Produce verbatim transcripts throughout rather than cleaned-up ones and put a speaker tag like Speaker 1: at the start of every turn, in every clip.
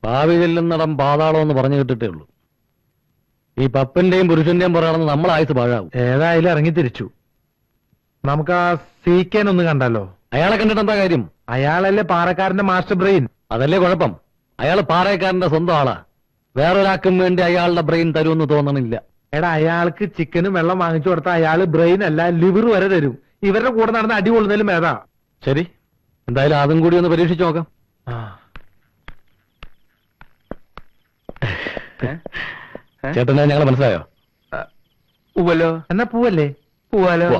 Speaker 1: ഭാവി ചെല്ലുന്നിടം പാതാളം എന്ന് പറഞ്ഞു കേട്ടിട്ടേ ഉള്ളൂ. ഈ പപ്പന്റെയും പുരുഷന്റെയും പുറകെ നമ്മൾ ആയുസ് പാഴാവും.
Speaker 2: ഏതായാലും ഇറങ്ങി തിരിച്ചു. നമുക്ക് ആ സീക്കേൻ ഒന്ന് കണ്ടാലോ?
Speaker 1: അയാളെ കണ്ടിട്ട് എന്താ കാര്യം?
Speaker 2: അയാളല്ലേ പാറക്കാരന്റെ മാസ്റ്റർ ബ്രെയിൻ.
Speaker 1: അതല്ലേ കുഴപ്പം. അയാൾ പാറക്കാരന്റെ സ്വന്തം ആളാ. വേറൊരാൾക്കും വേണ്ടി അയാളുടെ ബ്രെയിൻ തരുമെന്ന് തോന്നണില്ല.
Speaker 2: എടാ, അയാൾക്ക് ചിക്കനും വെള്ളം വാങ്ങിച്ചു കൊടുത്താൽ അയാള് ബ്രെയിൻ അല്ല ലിവർ വരെ തരും. ഇവരുടെ കൂടെ നടന്ന് അടി കൊള്ളുന്നതിലും ഏതാ.
Speaker 1: ശരി, എന്തായാലും അതും കൂടി ഒന്ന് പരീക്ഷിച്ചു നോക്കാം. ചേട്ടനെ ഞങ്ങൾ മനസ്സിലായോ?
Speaker 2: പൂവല്ലോ. എന്നാ പൂവല്ലേ?
Speaker 3: പോവാലോ.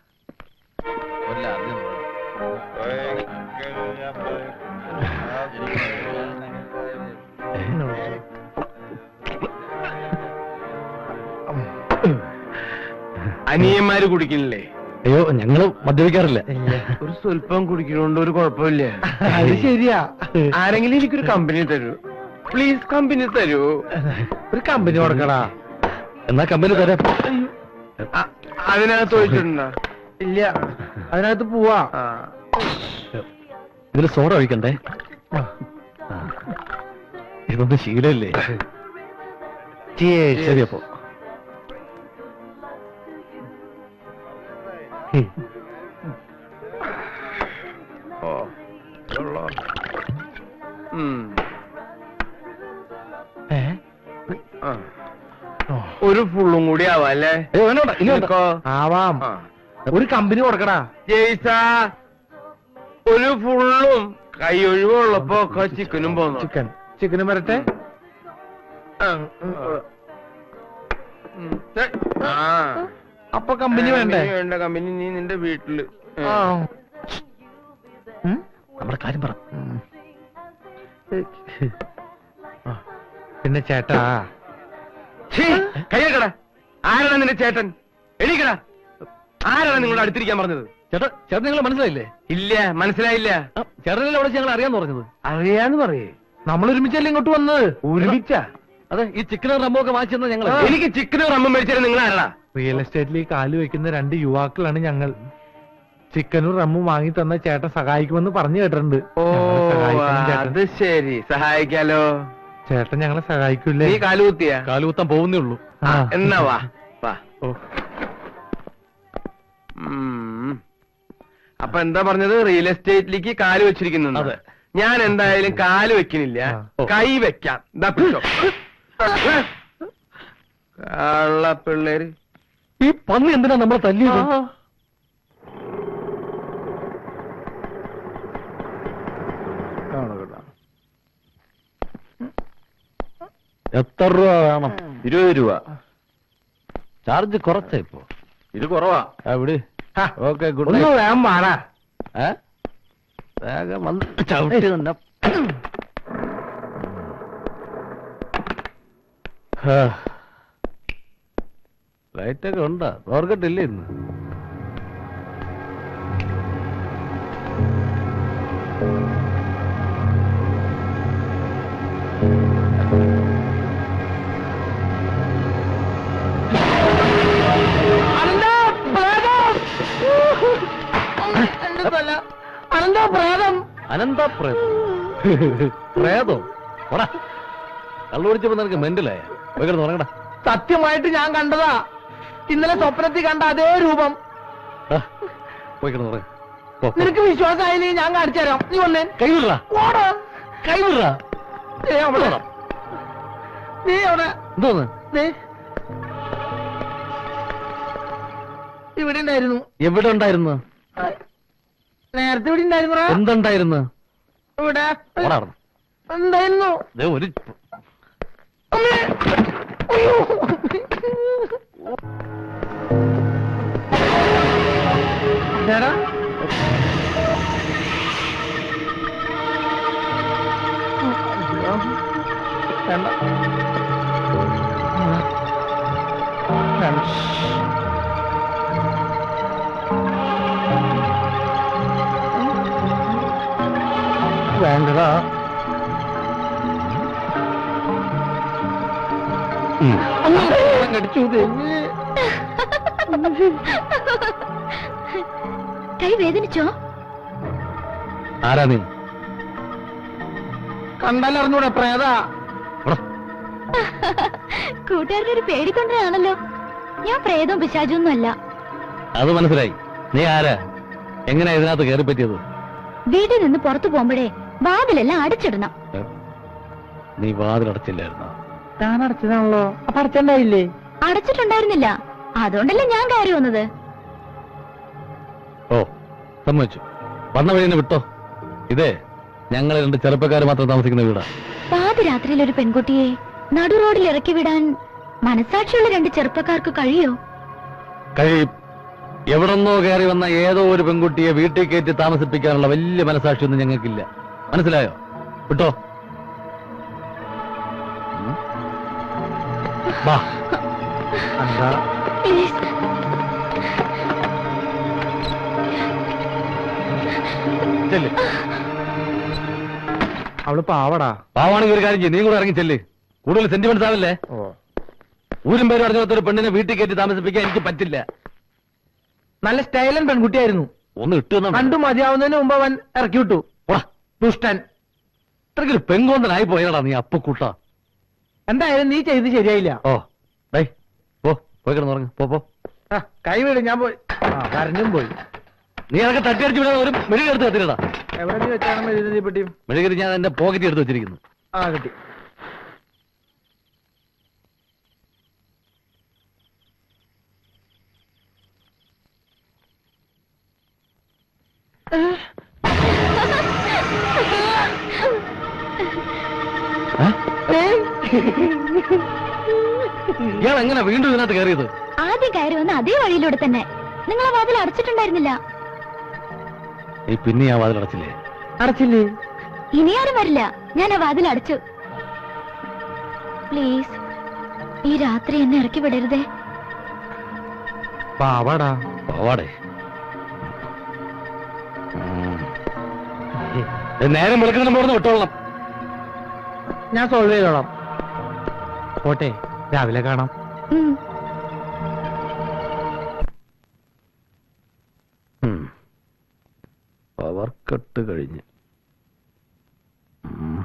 Speaker 3: അനിയന്മാര് കുടിക്കണില്ലേ?
Speaker 1: അയ്യോ, ഞങ്ങള് മദ്യപിക്കാറില്ല.
Speaker 3: ഒരു സ്വല്പം കുടിക്കണോണ്ട് ഒരു കുഴപ്പമില്ല.
Speaker 2: അത് ശരിയാ.
Speaker 3: ആരെങ്കിലും എനിക്കൊരു കമ്പനി തരൂ പ്ലീസ്. കമ്പനി തരൂ.
Speaker 2: ഒരു കമ്പനി കൊടുക്കടാ.
Speaker 1: എന്നാ കമ്പനി തരാം.
Speaker 3: അതിനകത്ത് ചോദിച്ചിട്ടുണ്ടോ?
Speaker 2: ഇല്ല, അതിനകത്ത് പോവാ.
Speaker 1: ഇതില് സോഡ ഒഴിക്കണ്ടേ? ഇതൊന്നും ശീലല്ലേ? ശരി, അപ്പോ
Speaker 3: ഒരു ഫുള്ളും കൂടി ആവാം അല്ലേ?
Speaker 2: ആവാം. ഒരു കമ്പനി കൊടുക്കടാ.
Speaker 3: ജയ്സ, ഒരു ഫുള്ളും കൈ ഒഴിവുള്ളപ്പോ ഒക്കെ ചിക്കനും പോന്നു.
Speaker 2: ചിക്കൻ ചിക്കനും വരട്ടെ. അപ്പൊ കമ്പനി വേണ്ടേ?
Speaker 3: വേണ്ട കമ്പനി. നീ നിന്റെ വീട്ടില്
Speaker 1: നമ്മുടെ കാര്യം പറ.
Speaker 2: പിന്നെ ചേട്ടാ,
Speaker 3: കയ്യക്കടാ. ആരാണ് നിന്റെ ചേട്ടൻ? എണീക്കടാ. ആരാണ് നിങ്ങളുടെ അടുത്തിരിക്കാൻ പറഞ്ഞത്?
Speaker 1: ചേട്ടാ, ചേട്ടൻ നിങ്ങൾ മനസ്സിലായില്ലേ?
Speaker 3: ഇല്ല, മനസ്സിലായില്ല.
Speaker 1: ചേട്ടനല്ലേ അവിടെ ഞങ്ങൾ അറിയാന്ന് പറഞ്ഞത്?
Speaker 3: അറിയാന്ന് പറയേ.
Speaker 2: നമ്മൾ ഒരുമിച്ചല്ലേ ഇങ്ങോട്ട് വന്നത്?
Speaker 3: ഒരുമിച്ച?
Speaker 1: അതെ, ഈ ചിക്കനും റമ്മോ ഒക്കെ വാങ്ങിച്ചെന്ന ഞങ്ങൾ.
Speaker 3: എനിക്ക് ചിക്കനും റമ്മും മേടിച്ചാലും നിങ്ങൾ ആരാടാ?
Speaker 2: റിയൽ എസ്റ്റേറ്റിൽ കാല് വെക്കുന്ന രണ്ട് യുവാക്കളാണ് ഞങ്ങൾ. ചിക്കനും റമ്മും വാങ്ങി തന്ന ചേട്ടൻ സഹായിക്കുമെന്ന് പറഞ്ഞു കേട്ടിട്ടുണ്ട്.
Speaker 3: ഓ, അത് ശരി. സഹായിക്കാലോ.
Speaker 2: ചേട്ടൻ ഞങ്ങളെ സഹായിക്കൂല്ലേ?
Speaker 3: നീ കാലുകുത്തിയ?
Speaker 1: കാലുകുത്താൻ പോകുന്നേ ഉള്ളൂ.
Speaker 3: എന്നാ വാ വാ.
Speaker 1: ഓ,
Speaker 3: അപ്പൊ എന്താ പറഞ്ഞത്? റിയൽ എസ്റ്റേറ്റിലേക്ക് കാല് വെച്ചിരിക്കുന്നു.
Speaker 1: അതെ.
Speaker 3: ഞാൻ എന്തായാലും കാല് വെക്കുന്നില്ല, കൈ വെക്കാം. എന്താ പിടിച്ചോ കള്ള പിള്ളേര്.
Speaker 1: ഈ പന്നി എന്തിനാ നമ്മളെ തല്ലിയത്? എത്ര രൂപ വേണം?
Speaker 3: ഇരുപത് രൂപ.
Speaker 1: ചാർജ് കുറച്ചാ ഇപ്പോ.
Speaker 3: ഇത് കുറവാ.
Speaker 1: എവിടെ? ഓക്കെ, ഗുഡ്
Speaker 2: ഒന്ന് വേഗം വാടാ.
Speaker 1: വേഗം വന്ന് ചവിട്ടി തന്നെ. ലൈറ്റൊക്കെ ഉണ്ടാ? ഓർക്കട്ടില്ലേ ഇന്ന്? അനന്ത പ്രേതോ? കള്ളുപിടിച്ചപ്പോ നിനക്ക് മെന്റലായ? ഉറങ്ങടാ.
Speaker 2: സത്യമായിട്ട് ഞാൻ കണ്ടതാ. ഇന്നലെ സ്വപ്നത്തിൽ കണ്ട അതേ രൂപം.
Speaker 1: പോയിക്കിടന്ന്
Speaker 2: നിനക്ക് വിശ്വാസമായില്ലേ? ഞാൻ കാണിച്ചു തരാം. നീ വന്നേ.
Speaker 1: കൈവിട കൈവിട.
Speaker 2: നീ അവിടെ
Speaker 1: എന്തോന്ന്?
Speaker 2: ഇവിടെ ഉണ്ടായിരുന്നു.
Speaker 1: എവിടെ ഉണ്ടായിരുന്നു?
Speaker 2: നേരത്തെ ഇവിടെ ഉണ്ടായിരുന്നു.
Speaker 1: എന്തുണ്ടായിരുന്നു?
Speaker 2: ഇവിടെ എന്തായിരുന്നു?
Speaker 1: ഒരു
Speaker 2: ചേട്ടാ,
Speaker 1: വേണ്ടടാ.
Speaker 2: കടിച്ചു.
Speaker 4: കൈ വേദനിച്ചോ?
Speaker 1: ആരാ നീ?
Speaker 2: കണ്ടാലറിഞ്ഞൂടെ പ്രേതാ.
Speaker 4: കൂട്ടുകാരുടെ ഒരു പേടിക്കൊണ്ടാണല്ലോ. ഞാൻ പ്രേതവും പിശാചൊന്നും അല്ല.
Speaker 1: അത് മനസ്സിലായി. നീ ആരാ? എങ്ങനെയാ ഇതിനകത്ത് കയറി പറ്റിയത്?
Speaker 4: വീട്ടിൽ നിന്ന് പുറത്തു പോകുമ്പോഴേ വാതിലെല്ലാം അടച്ചിടണം.
Speaker 1: നീ വാതിലടച്ചില്ലായിരുന്നോ?
Speaker 2: ഞാൻ അടച്ചതാണല്ലോ. അപ്പൊ അടച്ചുണ്ടായില്ലേ?
Speaker 4: അടച്ചിട്ടുണ്ടായിരുന്നില്ല. അതുകൊണ്ടല്ലേ ഞാൻ കയറി വന്നത്.
Speaker 1: ഓ, സമ്മതിച്ചു. വന്ന വഴി തന്നെ വിട്ടോ. ഇതേ ഞങ്ങൾ രണ്ട് ചെറുപ്പക്കാർ മാത്രം താമസിക്കുന്ന വീടാ.
Speaker 4: പാതിരാത്രിയിൽ ഒരു പെൺകുട്ടിയെ നടു റോഡിൽ ഇറക്കി വിടാൻ മനസാക്ഷിയുള്ള രണ്ട് ചെറുപ്പക്കാർക്ക് കഴിയോ?
Speaker 1: കഴിയും. എവിടെന്നോ കയറി വന്ന ഏതോ ഒരു പെൺകുട്ടിയെ വീട്ടിൽ കയറ്റി താമസിപ്പിക്കാനുള്ള വലിയ മനസാക്ഷിയൊന്നും ഞങ്ങൾക്കില്ല. മനസ്സിലായോ? വിട്ടോ. വാ.
Speaker 2: എന്താ?
Speaker 4: പ്ലീസ്.
Speaker 1: ചെല്ല്.
Speaker 2: അവള് പാവടാ.
Speaker 1: പാവാണെങ്കിൽ ഒരു കാര്യം ചെയ്യും, നീ കൂടെ ഇറങ്ങി ചെല്ല്. കൂടുതൽ സെന്റിമെന്റ്സ് ആവല്ലേ? ഊരും പേരും അറിഞ്ഞാത്തൊരു പെണ്ണിനെ വീട്ടിൽ കയറ്റി താമസിപ്പിക്കാൻ എനിക്ക് പറ്റില്ല.
Speaker 2: നല്ല സ്റ്റൈലൻ പെൺകുട്ടിയായിരുന്നു.
Speaker 1: ഒന്ന് ഇട്ടു
Speaker 2: കണ്ടു മതിയാവുന്നതിന് മുമ്പ് അവൻ ഇറക്കി വിട്ടു. ദുഷ്ടൻ.
Speaker 1: ഇത്രയ്ക്കൊരു പെങ്കോന്തനായി പോയടാ നീ അപ്പക്കൂട്ട.
Speaker 2: എന്തായാലും നീ ചെയ്ത് ശരിയായില്ല.
Speaker 1: ഓ ഡേ പോ, പോയി കിടന്നുറങ്ങ്. പോ പോ.
Speaker 2: ആ, കൈ വീട്. ഞാൻ പോയി. ആ, കരഞ്ഞും പോയി.
Speaker 1: നീ അതൊക്കെ തട്ടിയടിച്ച് വിടാൻ ഒരു മെഴുകി എടുത്ത് കത്തിരടാ.
Speaker 2: എവിടെ നീ വെച്ചാണ് മെഴുകുതി പെട്ടിയും?
Speaker 1: മെഴുകി ഞാൻ എന്റെ പോക്കറ്റ് എടുത്ത് വെച്ചിരിക്കുന്നു.
Speaker 2: ആ, കിട്ടി.
Speaker 1: ഇയാൾ എങ്ങനെ വീണ്ടും ഇതിനകത്ത് കയറിയത്?
Speaker 4: ആദ്യം കയറി വന്ന അതേ വഴിയിലൂടെ തന്നെ. നിങ്ങളെ വാതിൽ അടച്ചിട്ടുണ്ടായിരുന്നില്ല.
Speaker 1: നീ പിന്നെ ആ വാതിൽ അടച്ചില്ലേ?
Speaker 2: അടച്ചില്ലേ?
Speaker 4: ഇനി ആരും വരില്ല. ഞാൻ ആ വാതിൽ അടച്ചു. പ്ലീസ്, ഈ രാത്രി എന്നെ ഇറക്കി വിടരുതേ.
Speaker 2: പാവാടാ.
Speaker 1: പോവാടേ. നേരം വെളുക്കുന്ന പോർന്ന് വിട്ടോളണം.
Speaker 2: ഞാൻ സോൾവ് ചെയ്തോളാം. പോട്ടെ, രാവിലെ കാണാം.
Speaker 4: ഉം.
Speaker 1: പവർ കട്ട് കഴിഞ്ഞ്. ഉം.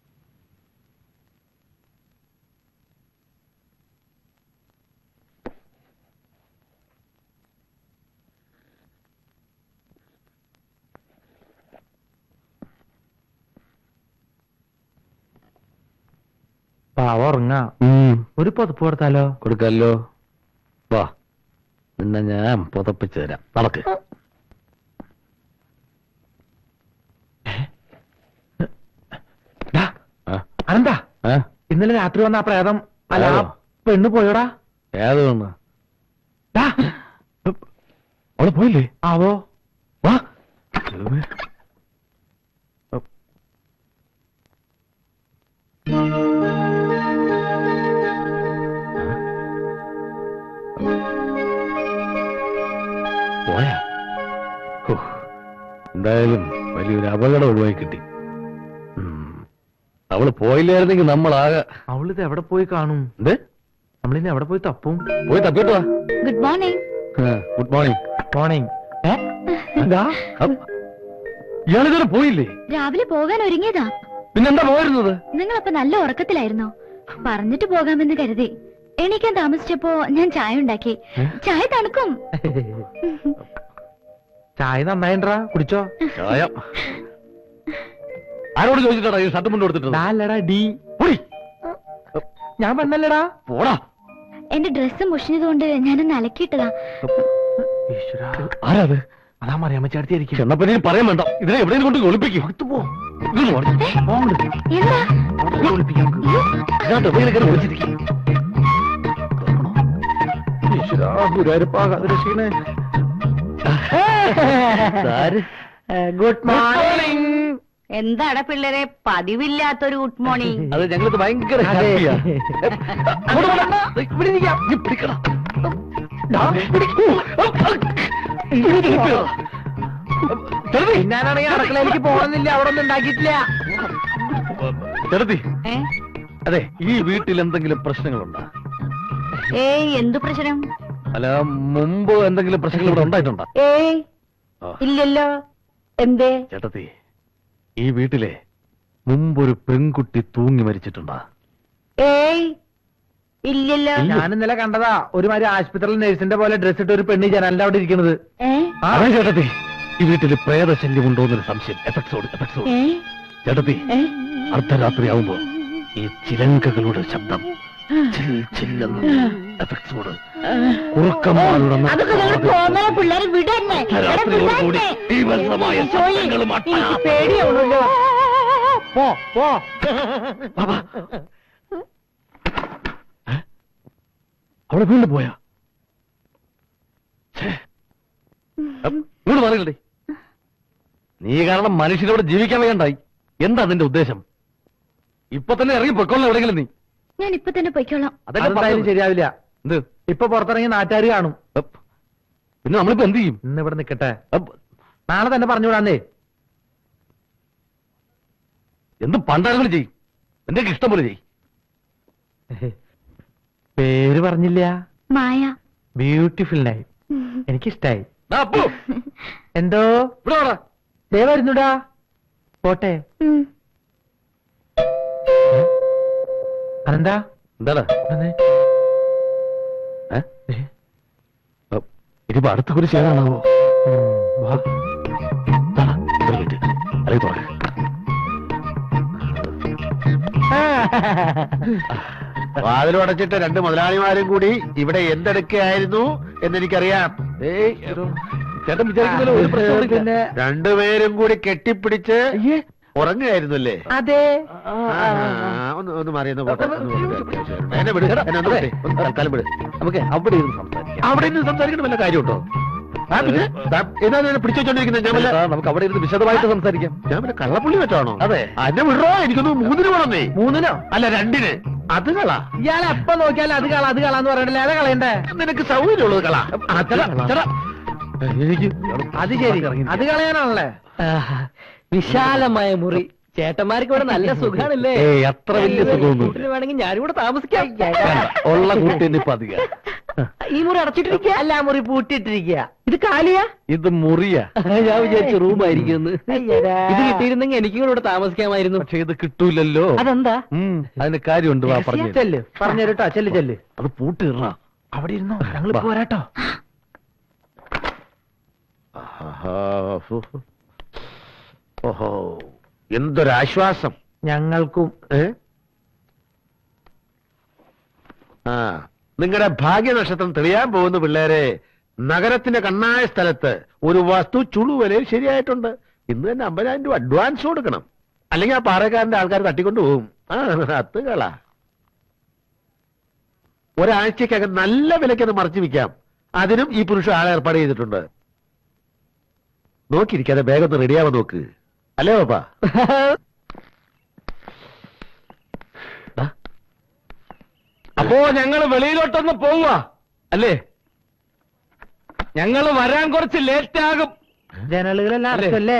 Speaker 2: പാവ ഉറങ്ങാ. ഒരു പുതപ്പ് കൊടുത്താലോ?
Speaker 1: കൊടുക്കല്ലോ. വാ, നിന്നെ ഞാൻ പുതപ്പിച്ചു തരാം. നടക്ക്.
Speaker 2: അനന്താ, ഇന്നലെ രാത്രി വന്ന ആ പ്രേതം അല്ല ആ പെണ്ണ് പോയോടാ?
Speaker 1: ഏത് പെണ്ണ്? അവള് പോയില്ലേ?
Speaker 2: ആവോ.
Speaker 1: വാ. പോയാ? എന്തായാലും വലിയൊരു അപകടം ഒഴിവായി കിട്ടി. അവള് പോയില്ലായിരുന്നെങ്കിൽ നമ്മളാകെ.
Speaker 2: അവളിത് എവിടെ പോയി കാണും?
Speaker 1: എന്ത്?
Speaker 2: നമ്മളിന്ന് എവിടെ പോയി തപ്പും?
Speaker 1: പോയി തപ്പിട്ടോ.
Speaker 4: Good morning.
Speaker 1: Good morning.
Speaker 2: Morning.
Speaker 1: ഇയാളിതുവരെ പോയില്ലേ?
Speaker 4: രാവിലെ പോകാൻ ഒരുങ്ങിയതാ.
Speaker 1: പിന്നെന്താ പോയിരുന്നത്?
Speaker 4: നിങ്ങളപ്പോ നല്ല ഉറക്കത്തിലായിരുന്നോ? പറഞ്ഞിട്ട് പോകാമെന്ന് കരുതി. എണീക്കാൻ താമസിച്ചപ്പോ ഞാൻ ചായ ഉണ്ടാക്കി. ചായ തണുക്കും.
Speaker 2: ചായ നന്നായിട്ടാ, കുടിച്ചോ?
Speaker 1: ചായ ആരോട് ചോദിച്ചിട്ടാ ഈ ഷർട്ട് മുണ്ട് കൊടുത്തിട്ട്?
Speaker 2: അല്ലടാ ഡി. ഞാൻ പെണ്ണല്ലടാ.
Speaker 1: പോടാ.
Speaker 4: എന്റെ ഡ്രസ്സ് മുഷിഞ്ഞതുകൊണ്ട് ഞാനൊന്ന് അലക്കിയിട്ടതാ.
Speaker 1: ആരാത്?
Speaker 2: അതാ മറിയാമ്മ ചേർത്തിയായിരിക്കും.
Speaker 1: ചെന്നപ്പനെ പറയാൻ വേണ്ട. ഇതിനെ എവിടെയും കൊണ്ട് ഒളിപ്പിക്കും.
Speaker 4: എന്താ?
Speaker 2: Good morning.
Speaker 5: എന്താടാ പിള്ളേരെ പതിവില്ലാത്തൊരു ഗുഡ് മോർണിംഗ്?
Speaker 1: അത് ഞങ്ങൾക്ക് ഭയങ്കര ഹാപ്പിയാ.
Speaker 2: ഞാനാണെങ്കിൽ അടുക്കളയിലേക്ക് പോകണമെന്നില്ല, അവിടെ ഒന്നും ഉണ്ടാക്കിയിട്ടില്ല.
Speaker 1: ചെറുതി,
Speaker 5: ഏ?
Speaker 1: അതെ, ഈ വീട്ടിൽ എന്തെങ്കിലും പ്രശ്നങ്ങളുണ്ടോ?
Speaker 5: ഏയ് എന്തു പ്രശ്നം?
Speaker 1: അല്ല, മുമ്പ് എന്തെങ്കിലും പ്രശ്നങ്ങൾ ഇവിടെ ഉണ്ടായിട്ടുണ്ടോ?
Speaker 5: ഏയ് ഇല്ലല്ലോ. എന്തേ?
Speaker 1: ചേട്ടത്തി, ഈ വീട്ടിലെ മുമ്പൊരു പെൺകുട്ടി തൂങ്ങി മരിച്ചിട്ടുണ്ടാ?
Speaker 5: ഏയ് ഇല്ലല്ലോ.
Speaker 2: ഞാൻ ഇന്നലെ കണ്ടതാ ഒരുമാതിരി ആശുപത്രിയിൽ നഴ്സിന്റെ പോലെ ഡ്രസ് ഇട്ട് ഒരു പെണ്ണി ജനലിന്റെ അവിടെ ഇരിക്കുന്നത്.
Speaker 5: ഏ
Speaker 1: അതെ ചേട്ടത്തി, ഈ വീട്ടിൽ പ്രേതശല്യം ഉണ്ടോന്നൊരു സംശയം. എഫക്ട്സോട് എഫക്ട്സോട്
Speaker 5: ഏ
Speaker 1: ചേട്ടത്തി,
Speaker 5: ഏ
Speaker 1: അർദ്ധരാത്രിയാവുമ്പോ ഈ ചിലങ്കകളുടെ ശബ്ദം ചിൽ ചില്ലെന്ന് എഫക്ട്സോട് ഉറക്കമാരുടെ
Speaker 5: അതൊക്കെ നിങ്ങൾ പോന്ന പിള്ളേരെ വിടന്നെ.
Speaker 1: രാത്രിയോടുകൂടി തീവ്രമായ ശബ്ദങ്ങളും അട്ടഹാസവും.
Speaker 5: പേടിയാവുള്ളൂ.
Speaker 2: പോ പോ.
Speaker 1: ബാബാ, അവിടെ വീണ്ടും പോയാ? ഇങ്ങോട്ട് പറയണ്ടേ, നീ കാരണം മനുഷ്യരോട് ജീവിക്കാൻ വേണ്ടായി. എന്താ നിന്റെ ഉദ്ദേശം? ഇപ്പൊ തന്നെ ഇറങ്ങി പൊയ്ക്കൊള്ളാം എവിടെയെങ്കിലും നീ.
Speaker 4: ഞാൻ ഇപ്പൊ തന്നെ പൊയ്ക്കോളാം.
Speaker 1: അതല്ലേ
Speaker 2: അതെന്തായാലും
Speaker 1: പറഞ്ഞത്.
Speaker 2: ശരിയാവില്ല.
Speaker 1: എന്ത്?
Speaker 2: ഇപ്പൊ പുറത്തിറങ്ങി നാട്ടുകാര് കാണും.
Speaker 1: അപ്പ്. പിന്നെ നമ്മളിപ്പോ എന്ത് ചെയ്യും?
Speaker 2: ഇന്ന് ഇവിടെ നിക്കട്ടെ,
Speaker 1: അപ്പ്.
Speaker 2: നാളെ തന്നെ പറഞ്ഞുവിടാന്നേ.
Speaker 1: എന്ത് പണ്ടാളുകൾ ചെയ്യും? എന്റെ ഇഷ്ടം പോലെ ചെയ്യും.
Speaker 2: പേര് പറഞ്ഞില്ല.
Speaker 4: മായ.
Speaker 2: Beautiful night. എനിക്കിഷ്ടായി.
Speaker 1: ദാ അപ്പു,
Speaker 2: എന്തോ
Speaker 1: ഇവിടെ വാടാ.
Speaker 2: ദേ വരുന്നുടാ. പോട്ടെ.
Speaker 4: ഉം.
Speaker 2: അതെന്താ
Speaker 1: എന്താടാ?
Speaker 2: വന്നേ.
Speaker 1: ഏ? അപ്പ്. ഇനിയിപ്പോ അടുത്ത കുറി ചെയ്യാനാണാവോ?
Speaker 2: ഉം, വാ.
Speaker 1: അല്ലെങ്കിൽ തുറക്ക.
Speaker 3: വാതിലും അടച്ചിട്ട് രണ്ട് മുതലാളിമാരും കൂടി ഇവിടെ എന്തെടുക്കുകയായിരുന്നു എന്നെനിക്കറിയാം.
Speaker 1: ഏയ്, ചേട്ടൻ വിചാരിക്കുന്നല്ലോ ഒരു പ്രശ്നവും
Speaker 2: പിന്നെ
Speaker 3: രണ്ടുപേരും കൂടി കെട്ടിപ്പിടിച്ച്
Speaker 2: അയ്യേ,
Speaker 3: ഉറങ്ങുകയായിരുന്നല്ലേ?
Speaker 2: അതെ.
Speaker 3: ഒന്ന് ഒന്ന് മാറി ഒന്ന് പോട്ടെ, ഒന്ന് പോട്ടെ. എന്നെ വിട്, എന്നെ ഒന്ന് വിട്ടേ. ഒന്ന് തൽക്കാലം വിട്.
Speaker 1: നമുക്ക് അവിടെ ഇരുന്ന് സംസാരിക്കാം.
Speaker 3: അവിടെ നിന്ന് സംസാരിക്കണം വല്ല കാര്യമുണ്ടോ? ആ, പിന്നെ ദാ, ഏതാ ഇതിനെ പിടിച്ചു വെച്ചോണ്ടിരിക്കുന്നത്? ഞാൻ വല്ല
Speaker 1: ചേട്ടാ, നമുക്ക് അവിടെ ഇരുന്ന് വിശദമായിട്ട് സംസാരിക്കാം.
Speaker 3: ഞാൻ പിന്നെ കള്ളപ്പുള്ളി വെച്ചാണോ?
Speaker 1: അതെ.
Speaker 3: എന്നെ വിടറോ, എനിക്കൊന്ന് മൂന്നിന് വേണമെന്നേ.
Speaker 2: മൂന്നിനോ?
Speaker 3: അല്ല രണ്ടിന്. അത് കള.
Speaker 2: ഇയാൾ എപ്പ നോക്കിയാലും അത് കള അത് കളാന്ന് പറയണ്ടല്ലേ. അതാ കളയണ്ടേ.
Speaker 3: നിനക്ക് സൗകര്യമുള്ളത് കള. അത്
Speaker 1: ചേട്ടാ,
Speaker 3: കള.
Speaker 1: ചേട്ടാ. എനിക്ക്
Speaker 2: അത് ശരി, അത് കളയാനാണല്ലേ.
Speaker 6: വിശാലമായ മുറി. ചേട്ടന്മാർക്ക് ഇവിടെ നല്ല സുഖാണല്ലേ?
Speaker 1: ഏയ്, അത്ര വലിയ സുഖമൊന്നും
Speaker 6: കൂട്ടിന് വേണമെങ്കിൽ ഞാനിവിടെ താമസിക്കാം.
Speaker 1: ഉള്ള കൂട്ടിന് ഇപ്പൊ അധികം.
Speaker 6: ഈ മുറി അടച്ചിട്ടിരിക്കുക? അല്ല, ആ മുറി പൂട്ടിയിട്ടിരിക്കുക. ഇത് കാലിയാ?
Speaker 1: ഇത് മുറിയാ.
Speaker 6: ഞാൻ വിചാരിച്ചു റൂം ആയിരിക്കും. ഇത് കിട്ടിയിരുന്നെങ്കിൽ എനിക്കും കൂടെ ഇവിടെ താമസിക്കാമായിരുന്നു.
Speaker 1: പക്ഷെ ഇത് കിട്ടൂലല്ലോ.
Speaker 6: അതെന്താ?
Speaker 1: ഉം, അതിന് കാര്യമുണ്ട്. വാ പറഞ്ഞു.
Speaker 2: ചെല്ല്, പറഞ്ഞു തരട്ടോ. ചെല്ല് ചെല്ല്.
Speaker 1: അത് പൂട്ടിടണ.
Speaker 2: അവിടെ ഇരുന്നോ, ഞങ്ങൾ പോരാട്ടോ.
Speaker 3: ഓഹോ, എന്തൊരാശ്വാസം.
Speaker 2: ഞങ്ങൾക്കും.
Speaker 3: ഏ? ആ, നിങ്ങളുടെ ഭാഗ്യനക്ഷത്രം തെളിയാൻ പോകുന്ന പിള്ളേരെ, നഗരത്തിന്റെ കണ്ണായ സ്ഥലത്ത് ഒരു വസ്തു ചുളുവലയിൽ ശരിയായിട്ടുണ്ട്. ഇന്ന് തന്നെ അമ്പതിനായിരം രൂപ അഡ്വാൻസ് കൊടുക്കണം, അല്ലെങ്കിൽ ആ പാറക്കാരന്റെ ആൾക്കാർ തട്ടിക്കൊണ്ടു പോകും. ആ, അത് കള. ഒരാഴ്ചക്കകം നല്ല വിലയ്ക്ക് അത് മറച്ചു വിൽക്കാം. അതിനും ഈ പുരുഷൻ ആളെ ഏർപ്പാട് ചെയ്തിട്ടുണ്ട്. നോക്കിയിരിക്കാതെ വേഗം ഒന്ന് റെഡിയാവാൻ നോക്ക്. അല്ലേ പാപ്പാ?
Speaker 1: അപ്പോ ഞങ്ങള് വെളിയിലോട്ടൊന്ന് പോവുക അല്ലേ? ഞങ്ങള് വരാൻ കുറച്ച് ലേറ്റ് ആകും.
Speaker 2: ജനലുകളെല്ലാം അടച്ചല്ലേ?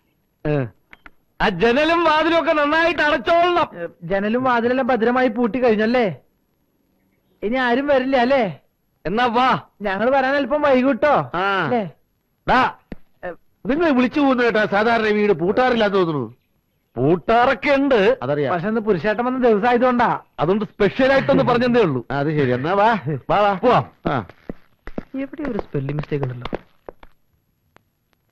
Speaker 1: ആ ജനലും വാതിലും ഒക്കെ നന്നായിട്ട് അടച്ചോളണം.
Speaker 2: ജനലും വാതിലെല്ലാം ഭദ്രമായി പൂട്ടി കഴിഞ്ഞല്ലേ? ഇനി ആരും വരില്ല അല്ലേ?
Speaker 1: എന്നാ വാ.
Speaker 2: ഞങ്ങൾ വരാൻ അല്പം വൈകിട്ടോ.
Speaker 3: ആ.
Speaker 2: അല്ലേ?
Speaker 3: ഡാ, നിങ്ങൾ വിളിച്ചു പോകുന്ന കേട്ടാ സാധാരണ വീട് പൂട്ടാറില്ലാന്ന് തോന്നുന്നു.
Speaker 1: പൂട്ടാറൊക്കെ ഉണ്ട്.
Speaker 3: അതറിയാം.
Speaker 2: പക്ഷെ ഇന്ന് പുരുഷേട്ടൻ വന്ന ദിവസം ആയതുകൊണ്ടാ.
Speaker 1: അതുകൊണ്ട് സ്പെഷ്യൽ ആയിട്ടൊന്ന് പറഞ്ഞതേ ഉള്ളൂ.
Speaker 3: അത് ശരി. എന്നാ വാ വാ വാ
Speaker 1: പോവാം.
Speaker 3: ആ.
Speaker 6: എവിടെ ഒരു സ്പെല്ലിംഗ് മിസ്റ്റേക്ക് ഉണ്ടല്ലോ.